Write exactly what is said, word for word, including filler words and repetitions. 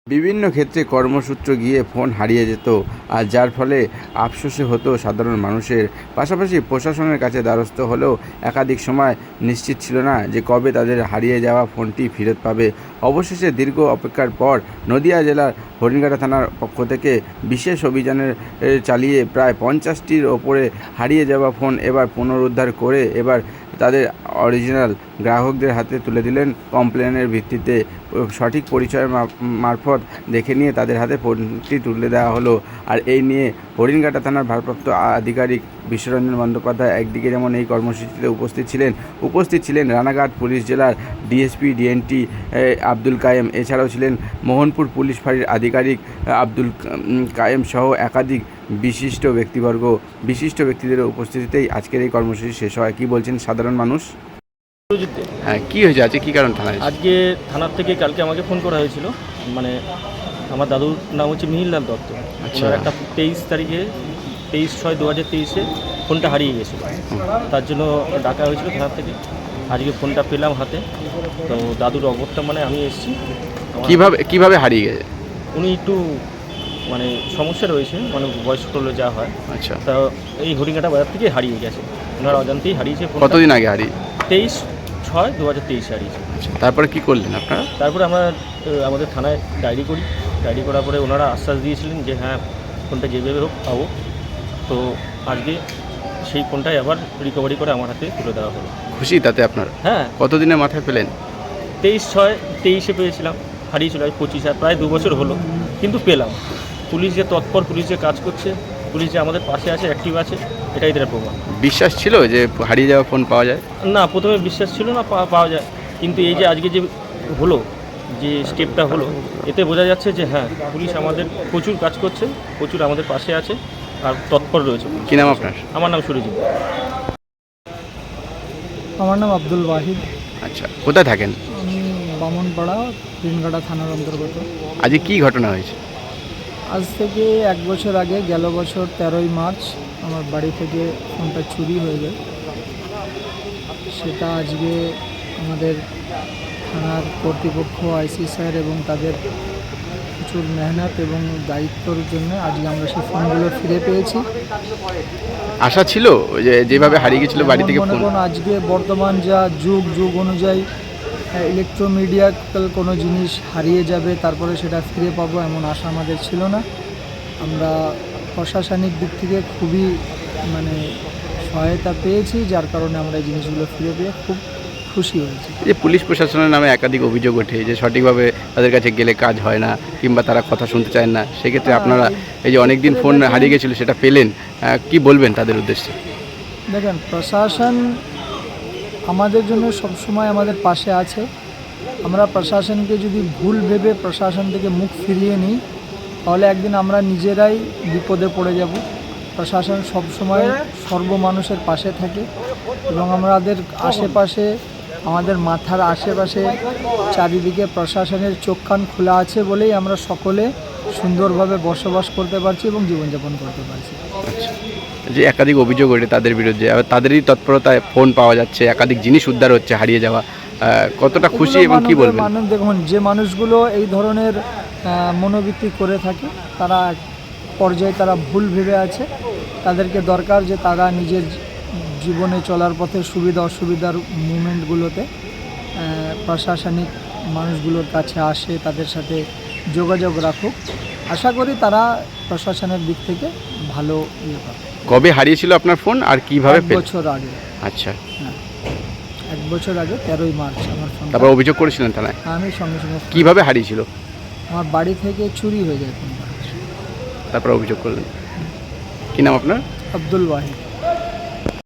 বিভিন্ন ক্ষেত্রে কর্মসূত্র গিয়ে ফোন হারিয়ে যেত, আর যার ফলে আফসোসে হতো সাধারণ মানুষের। পাশাপাশি প্রশাসনের কাছে দ্বারস্থ হলেও একাধিক সময় নিশ্চিত ছিল না যে কবে তাদের হারিয়ে যাওয়া ফোনটি ফেরত পাবে। অবশেষে দীর্ঘ অপেক্ষার পর নদিয়া জেলার হরিণঘাটা থানার পক্ষ থেকে বিশেষ অভিযানের চালিয়ে প্রায় পঞ্চাশটির ওপরে হারিয়ে যাওয়া ফোন এবার পুনরুদ্ধার করে এবার তাদের অরিজিনাল গ্রাহকদের হাতে তুলে দিলেন। কমপ্লেনের ভিত্তিতে সঠিক পরিচয় মারফত দেখে নিয়ে তাদের হাতে ফোনটি তুলে দেওয়া হলো। আর এই নিয়ে হরিণঘাটা থানার ভারপ্রাপ্ত আধিকারিক বিশ্বরঞ্জন বন্দ্যোপাধ্যায় একদিকে যেমন এই কর্মসূচিতে উপস্থিত ছিলেন উপস্থিত ছিলেন রানাঘাট পুলিশ জেলার ডিএসপি ডিএনটি আব্দুল কায়েম, এছাড়াও ছিলেন মোহনপুর পুলিশ ফাঁড়ির আধিকারিক আব্দুল কায়েম সহ একাধিক বিশিষ্ট ব্যক্তিবর্গ বিশিষ্ট ব্যক্তিদের উপস্থিতিতেই আজকের এই কর্মসূচি শেষ হয়। কি বলছেন সাধারণ মানুষ? হ্যাঁ, কি হয়েছে আজকে, কী কারণ থানায়? আজকে থানার থেকে কালকে আমাকে ফোন করা হয়েছিল। মানে আমার দাদুর নাম হচ্ছে মিহিরলাল দত্ত। আচ্ছা। ওনার একটা তেইশ তারিখে তেইশ ছয় দু হাজার তেইশে ফোনটা হারিয়ে গেছিলো, তার জন্য ডাকা হয়েছিল থানার থেকে। আজকে ফোনটা পেলাম হাতে, তো দাদুর অবস্থা মানে আমি এসেছি। কীভাবে কীভাবে হারিয়ে গেছে? উনি একটু মানে সমস্যা রয়েছে, মানে বয়স্ক হলে যা হয়। আচ্ছা। তা এই হরিণঘাটা বাজার থেকে হারিয়ে গেছে, ওনার অজান্তেই হারিয়েছে। কতদিন আগে হারিয়ে? তেইশ ছয় দু হাজার তেইশে হারিয়েছে। তারপরে কি করলেন আপনারা? তারপরে আমরা আমাদের থানায় ডায়েরি করি। ডায়েরি করার পরে ওনারা আশ্বাস দিয়েছিলেন যে হ্যাঁ ফোনটা যেভাবে হোক পাবো। তো আজকে সেই ফোনটাই আবার রিকভারি করে আমার হাতে তুলে দেওয়া হলো। খুশি তাতে আপনার? হ্যাঁ। কতদিনের মাথায় পেলেন? তেইশ ছয় তেইশে পেয়েছিলাম, হারিয়েছিল আজ পঁচিশ, আর প্রায় দু বছর হলো, কিন্তু পেলাম। পুলিশ যে তৎপর, পুলিশ যে কাজ করছে, পুলিশ যে আমাদের পাশে আছে, অ্যাক্টিভ আছে, এটাই তার প্রমাণ। বিশ্বাস ছিল যে হারিয়ে যাওয়া ফোন পাওয়া যায়? না, প্রথমে বিশ্বাস ছিল না পাওয়া যায়, কিন্তু এই যে আজকে যে হলো, যে স্টেপটা হলো, এতে বোঝা যাচ্ছে যে হ্যাঁ পুলিশ আমাদের প্রচুর কাজ করছে, প্রচুর আমাদের পাশে আছে আর তৎপর রয়েছে। কী নাম আপনার? আমার নাম সুরজিৎ। আমার নাম আব্দুল ওয়াহিদ। আচ্ছা, কোথায় থাকেন? আমি বামনপাড়া, হরিণঘাটা থানার অন্তর্গত। আজকে কি ঘটনা হয়েছে? আজ থেকে এক বছর আগে, গেল বছর তেরোই মার্চ আমার বাড়ি থেকে ফোনটা চুরি হয়ে যায়। সেটা আজকে আমাদের থানার কর্তৃপক্ষ, আইসি স্যার এবং তাদের প্রচুর মেহনত এবং দায়িত্বর জন্য আজকে আমরা সেই ফোনগুলো ফিরে পেয়েছি। আশা ছিল যে যেভাবে হারিয়ে গেছিলো বাড়ি থেকে ফোন? আজকে বর্তমান যা যুগ যুগ অনুযায়ী ইলেকট্রোমিডিয়াল কোনো জিনিস হারিয়ে যাবে তারপরে সেটা ফিরে পাবো এমন আশা আমাদের ছিল না। আমরা প্রশাসনিক দিক থেকে খুবই মানে সহায়তা পেয়েছি, যার কারণে আমরা এই জিনিসগুলো ফিরে পেয়ে খুব খুশি হয়েছি। যে পুলিশ প্রশাসনের নামে একাধিক অভিযোগ ওঠে যে সঠিকভাবে তাদের কাছে গেলে কাজ হয় না কিংবা তারা কথা শুনতে চায় না, সেক্ষেত্রে আপনারা এই যে অনেকদিন ফোন হারিয়ে গেছিলো সেটা পেলেন, কি বলবেন তাদের উদ্দেশ্যে? দেখেন, প্রশাসন আমাদের জন্য সবসময় আমাদের পাশে আছে। আমরা প্রশাসনকে যদি ভুল ভেবে প্রশাসন থেকে মুখ ফিরিয়ে নিই তাহলে একদিন আমরা নিজেরাই বিপদে পড়ে যাব। প্রশাসন সবসময় সর্বমানুষের পাশে থাকে এবং আমাদের আশেপাশে, আমাদের মাথার আশেপাশে চারিদিকে প্রশাসনের চোখ কান খোলা আছে বলেই আমরা সকলে সুন্দরভাবে বসবাস করতে পারছি এবং জীবনযাপন করতে পারছি। আচ্ছা, যে একাধিক অভিযোগ ওঠে তাদের বিরুদ্ধে, আবার তাদেরই তৎপরতায় ফোন পাওয়া যাচ্ছে, একাধিক জিনিস উদ্ধার হচ্ছে হারিয়ে যাওয়া, কতটা খুশি এবং কি বলবেন? মানুষ দেখুন, যে মানুষগুলো এই ধরনের মনোবৃত্তি করে থাকে তারা এক পর্যায়ে তারা ভুল ভেবে আছে। তাদেরকে দরকার যে তারা নিজের জীবনে চলার পথে সুবিধা অসুবিধার মুভমেন্টগুলোতে প্রশাসনিক মানুষগুলোর কাছে আসে, তাদের সাথে যোগাযোগ রাখুক। আশা করি তারা প্রশাসনের দিক থেকে ভালো ইয়ে পাবে। কবে হারিয়েছিল আপনার ফোন আর কিভাবে? এক বছর আগে। আচ্ছা, হ্যাঁ, এক বছর আগে তেরোই মার্চ আমার ফোন। তারপর অভিযোগ করেছিলেন থানায়? আমি সঙ্গে সঙ্গে। কিভাবে হারিয়েছিল? আমার বাড়ি থেকে চুরি হয়ে যায় ফোনটা। তারপর অভিযোগ করলেন? কি নাম আপনার? আব্দুল ওয়াহিদ।